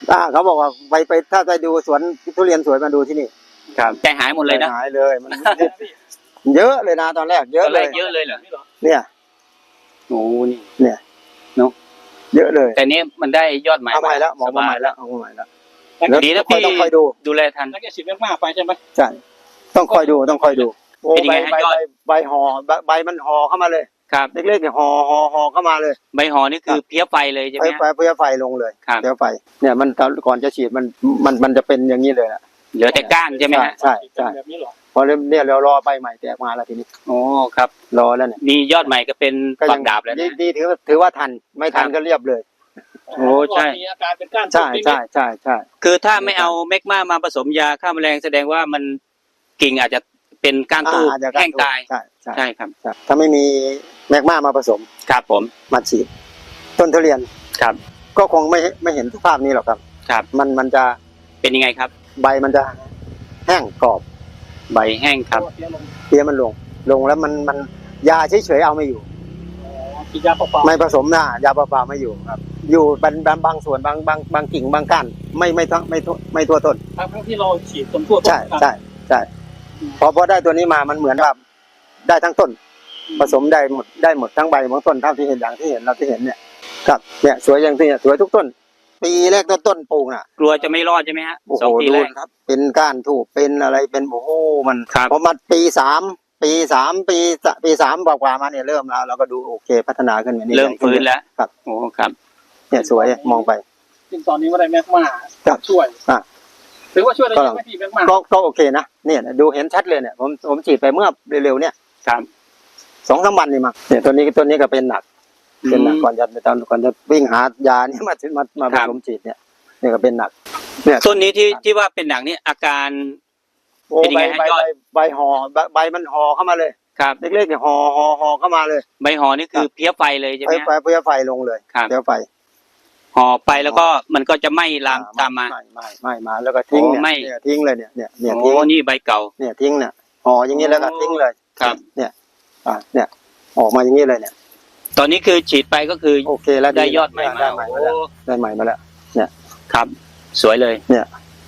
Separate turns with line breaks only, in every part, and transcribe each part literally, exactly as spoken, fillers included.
อ่าเขาบอกว่าไปไปถ้าไปดูสวนทุเรียนสวยมาดูที่นี่
ครับใจหายหมดเลยนะ
หายเลยมันเยอะเลยนะตอนแรกเยอะเลย
เยอะเลยเหรอ
เนี่ย
โอ้นี่
เนี่ย
เนาะ
เยอะเลย
แต่นี้มันได้ยอดใหม่
เอาใหม่แล้วมองมาใหม่แล้วเอาใหม่แล้ว
ดีนะพี่
ต้องคอยดู
ดูแลทัน
แล้วแกฉีดมากๆไปใช่ไหม
ใช่ต้องคอยดูต้องคอยดูโอ้ใบใบใบห่อใบมันห่อเข้ามาเลย
ครับ
เล็กๆเนี่ยห่อห่อห่อเข้ามาเลย
ใบห่อนี่คือเพี้ยไฟเลยใช่ไหม
ไฟเพี้ยไฟลงเลยเพี้ยไฟเนี่ยมันก่อนจะฉีดมันมันมันจะเป็นอย่างนี้เลยนะ
เหลือแต่ก้านใช่ไหมฮะ
ใช่ใช่พอเนี่ยเรารอใบใหม่แตกมาแล้วทีนี้
โอ้ครับ
รอแล้วเนี่ย
มียอดใหม่ก็เป็นฝักดาบแล้วนะ
ดีถือถือว่าทันไม่ทันก็เรียบเลย
โอ้ใช่
มีอาการเป็นก้าน
ใช่ใช่ใช่ใช่
คือถ้าไม่เอาเมกมามาผสมยาฆ่าแมลงแสดงว่ามันกิ่งอาจจะเป็นก้านทูบแห้งตาย
ใช่ใช่
ใช่ครับ
ถ้าไม่มีแมกมามาผสม
ครับผม
มาฉีดต้นทุเรียน
ครับ
ก็คงไม่ไม่เห็นสภาพนี้หรอกครับ
ครับ
มันมันจะ
เป็นยังไงครับ
ใบมันจะแห้งกรอบ
ใบแห้งครับ
เพี้ยมันลงลงแล้วมันมันยาเฉยๆเอาไม่อยู่
ยาเปล่า
ไม่ผสมนะยาเปล่าไม่อยู่ครับอยู่บางบางส่วนบางบางบางกิ่งบางก้านไม่ไม่ทั้งไม่ไม่ทั่วต้น
ทั้งที่เราฉีดต้นทั่วต้น
ใช่ใช่ใช่พอพอได้ตัวนี้มามันเหมือนกับได้ทั้งต้นผสมได้หมดได้หมดทั้งใบทั้งต้นเท่าที่เห็นอย่างที่เห็นเราที่เห็นเนี่ยครับเนี่ยสวยอย่างที่สวยทุกต้นปีแรกต้นต้นปลูกน่ะ
กลัวจะไม่รอดใช่ไหมฮะ
สองปีแรกครับเป็นก้านถูกเป็นอะไรเป็นโอ้โหมันพอมาปีสามปีสามปีปีสามกว่าๆมาเนี่ยเริ่มแล้วเราก็ดูโอเคพัฒนาขึ้นมานี่
เริ่มฟื้นแล้ว
ครับ
โอ้ครับ
เนี่ยสวยมองไป
ซึ่งตอนนี้ว่าได้แมกมาช่วย
อ่ะ
ถือว่าช่วยได้ไหมพี่แมกมา
ก็ก็โอเคนะเนี่ยดูเห็นชัดเลยเนี่ยผมผมฉีดไปเมื่อเร็วๆเนี่ย
ครับ
สองสามวันนี่มาเนี่ยตัวนี้ตัวนี้ก็เป็นหนักเป็นหนักก่อนจะตอนก่อนจะวิ่งหายาเนี่ยมามามาผสมฉีดเนี่ยนี่ก็เป็นหนัก
เนี่ยต้นนี้ที่ที่ว่าเป็นหนักนี่อาการ
เป็นยังไงฮะยอดใบห่อใบมันห่อเข้ามาเลย
ครับ
เล็กๆเนี่ยห่อห่อห่อเข้ามาเลย
ใบห่อนี่คือเพี้ยไฟเลยใช่ไหม
ไฟเพี้ยไฟลงเลยเพี้ยไฟ
ห่อไปแล้วก็มันก็จะไหม้ลามตามมา
ไม่ไม่ไม่มาแล้วก็ทิ้งเนี่ยทิ้งเลยเนี่ยเนี่ยเนี่ยทิ้ง
นี่ใบเก่า
เนี่ยทิ้งเนี่ยห่ออย่างนี้แล้วก็ทิ้งเลย
ครับ
เนี่ยอ่าเนี่ยออกมาอย่างนี้เลยเนี่ย
ตอนนี้คือฉีดไปก็คือ
โอเคแล้ว
ได้ยอดใหม่มา
ได้ใหม่มาแล้วได้ใหม่มาแล้วเนี่ย
ครับสวยเลย
เนี่ย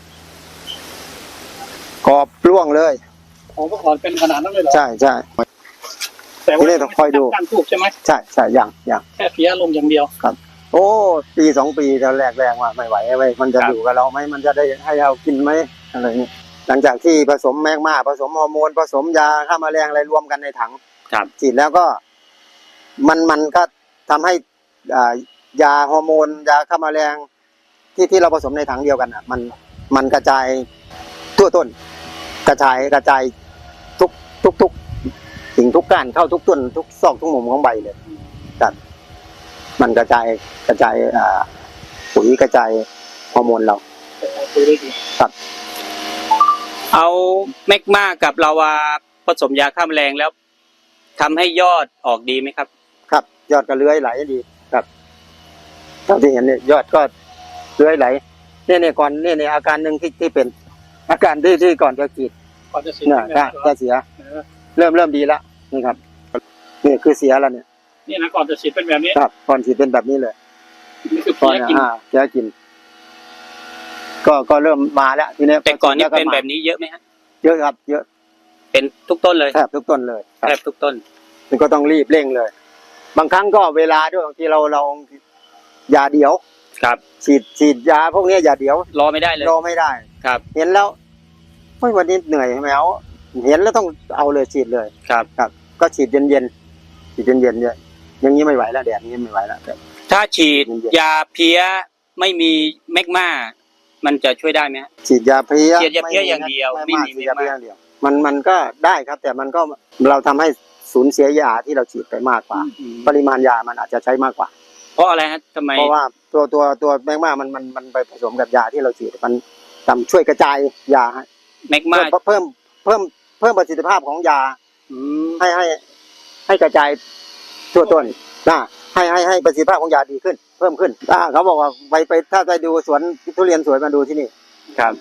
กรอบร่วงเลย
โอ้ก็ขอเป็นขนาดนั้นเลยเหรอ
ใช่ใช่แต่ว่าต้องคอยดู
การถูกใช่ไหม
ใช่ใช่อย่างอย่าง
แค่เพี้ยลงอย่างเดียว
ครับโอ้ปีสองปีตอนแรกแรงว่าไม่ไหวไว้มันจะอยู่กับเราไหมมันจะได้ให้เรากินไหมอะไรนี่หลังจากที่ผสมแมกมาผสมฮอร์โมนผสมยาฆ่าแมลงอะไรรวมกันในถังฉีดแล้วก็มันมันก็ทำให้อ่ายาฮอร์โมนยาฆ่าแมลงที่ที่เราผสมในถังเดียวกันอ่ะมันมันกระจายทั่วต้นกระจายกระจายทุกทุกทุกสิ่งทุกก้านเข้าทุกต้นทุกซอกทุกมุมของใบเลยครับมันกระจายกระจายอ่าปุ๋ยกระจายฮอร์โมนเราครับ
เอาแมกมากับลาวาผสมยาฆ่าแมลงแล้วทำให้ยอดออกดีไหมครับ
ครับยอดก็เลื้อยไหลดีครับเท่าที่เห็นเนี่ยยอดก็เลื้อยไหลเนี่ยเนี่ยก่อนเนี่ยเนี่ยอาการหนึ่งที่ที่เป็นอาการที่ที่ก่อนจะฉีด
ก่อนจะเสีย
เนี่ยจะเสียเริ่มเริ่มดีแล้วนี่ครับนี่คือเสียแล้วเนี่ย
นี่นะก่อนจะฉีดเป็นแบบนี้
ครับก่อนฉีดเป็นแบบนี้เลย
นี่คือเพี้ยกิน
เพี้ยกินก็ก็เริ่มมาแล้วทีนี้
แต่ก่อนนี้เป็นแบบนี้เยอะไหมฮะ
เยอะครับเยอะ
เป็นทุกต้นเลย
แทบทุกต้นเลย
แทบทุกต้น
มันก็ต้องรีบเร่งเลยบางครั้งก็เวลาด้วยบางทีเราเรายาเดียว
ครับ
ฉีดฉีดยาพวกนี้ยาเดียว
รอไม่ได้เลย
รอไม่ได้
ครับ
เห็นแล้วเฮ้ยวันนี้เหนื่อยไหมเอาเห็นแล้วต้องเอาเลยฉีดเลย
ครับ
ครับก็ฉีดเย็นเย็นฉีดเย็นเย็นเนี่ยอย่างนี้ไม่ไหวแล้วแดดนี้ไม่ไหวแล้ว
ถ้าฉีดยาเพี้ยไม่มีแมกมามันจะช่วยได้ไหม
ฉีดยาเพี้ย
ฉีดยาเพี้ยอย่างเดียวไม่มี
ยาเพี้ยอย่างเดียวมันมันก็ได้ครับแต่มันก็เราทำให้สูญเสียยาที่เราฉีดไปมากกว่าปริมาณยามันอาจจะใช้มากกว่า
เพราะอะไรฮะทำไม
เพราะว่าตัวตัวตัวแมกมามันมันมันไปผสมกับยาที่เราฉีดมันทำช่วยกระจายยา
แมกมา
เพิ่มเพิ่มเพิ่มประสิทธิภาพของยาให้ให้ให้กระจายทั่วต้นนะให้ให้ให้ประสิทธิภาพของยาดีขึ้นเพิ่มขึ้นอ่าเขาบอกว่าไปไปถ้าไปดูสวนทุเรียนสวยมาดูที่นี่
ครับ